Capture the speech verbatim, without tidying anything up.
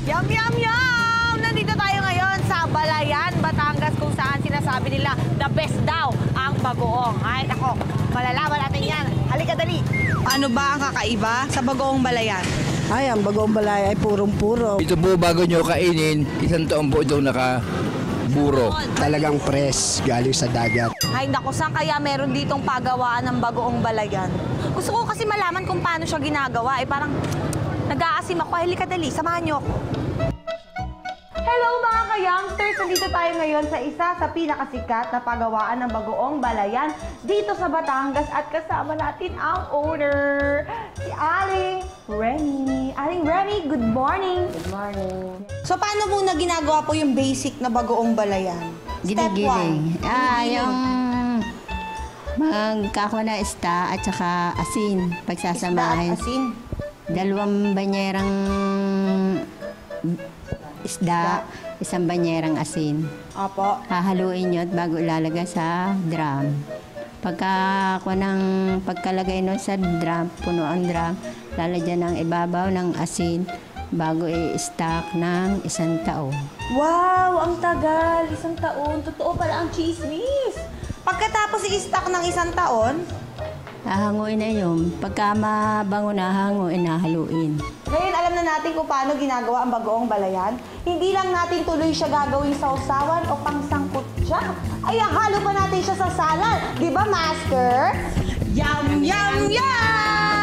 Yum, yum, yum! Nandito tayo ngayon sa Balayan, Batangas, kung saan sinasabi nila the best daw ang bagoong. Ay, nako, malalaman natin yan. Halika, dali. Ano ba ang kakaiba sa bagoong Balayan? Ay, ang bagoong balay ay purong-puro. Ito po bago nyo kainin, isang taon po ito nakaburo. Talagang fresh, galing sa dagat. Ay, nako, saan kaya meron ditong pagawaan ng bagoong Balayan? Gusto ko kasi malaman kung paano siya ginagawa. Eh, parang nag-aasim ako. Halika, dali. Samahan niyo ako. Hello mga ka-youngsters! Nandito tayo ngayon sa isa sa pinakasikat na pagawaan ng bagoong Balayan dito sa Batangas at kasama natin ang owner, si Aling Remy. Aling Remy, good morning! Good morning! So paano muna ginagawa po yung basic na bagoong Balayan? Step one. Ginigiling. Ah, yung magkakawa na ista at saka asin. Pagsasamahin. Isda at asin. Dalawang banyerang isda, isang banyerang asin. Opo. Hahaluin nyo at bago ilalagay sa drum. Pagka ako ng pagkalagay nun sa drum, puno ang drum, lalagyan ng ibabaw ng asin bago i-stock ng isang taon. Wow! Ang tagal! Isang taon. Totoo pala ang chismis. Pagkatapos i-stock ng isang taon, Hahanguin na yun. Pagka mabango na, hanguin na, haluin. ngayon alam na natin kung paano ginagawa ang bagoong Balayan. Hindi lang natin tuloy siya gagawing sausawan o pangsangkot siya. Ay, halo pa natin siya sa salad. Di ba, Master? Yum, yum, yum!